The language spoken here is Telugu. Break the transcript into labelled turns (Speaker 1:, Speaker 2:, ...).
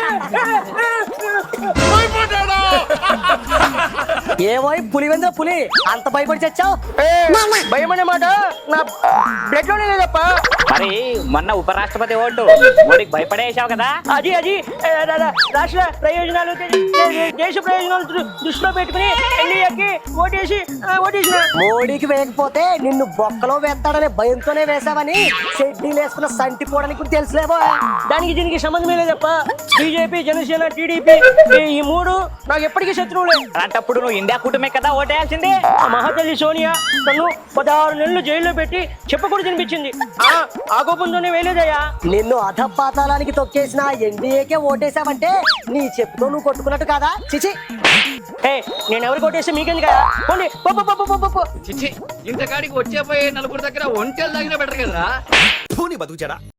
Speaker 1: ఏమో పులివెందుల పులి అంత భయపడి చచ్చావు? భయం అనే మాట నా బ్లడ్ లోనే లేదప్ప.
Speaker 2: మరి మొన్న ఉపరాష్ట్రపతి ఓటు ఓడికి భయపడేసావు కదా.
Speaker 1: అది రాష్ట్ర ప్రయోజనాలు దేశ ప్రయోజనాలు దృష్టిలో పెట్టుకుని ఎన్డీఏకి ఓటేసిన. మోడీకి వేయకపోతే నిన్ను బొక్కలో వేస్తాడనే భయంతోనే వేసావని షెడ్డీలు వేసుకున్న సంటి పోవడానికి కూడా తెలుసులేవో. దానికి దీనికి సంబంధమే లేదప్ప. బీజేపీ, జనసేన, టీడీపీ ఈ మూడు నాకు ఎప్పటికీ శత్రువులే.
Speaker 2: అలాంటప్పుడు నువ్వు ఇండియా కూటమే కదా ఓటేయాల్సింది.
Speaker 1: ఆ మహాతల్లి సోనియా నన్ను 16 నెలలు జైల్లో పెట్టి చెప్పకూడదు తినిపించింది. ఆ కోపంతోనే వేయలేదయ్యా. నిన్ను అధపాతాళానికి తొక్కేసిన ఎన్డీఏకే ఓటేసావంటే నీ చెప్పుతో నువ్వు కొట్టుకున్నట్టు కాదా? చిచి, నేను ఎవరికి ఓటేస్తే మీకేంది కదా. పోండి.
Speaker 3: చిచ్చి ఇంతకాడికి వచ్చే పోయే నలుగురు దగ్గర ఒంటెలు తాగినా బెటర్ కదరా.
Speaker 4: బతుకుచాడా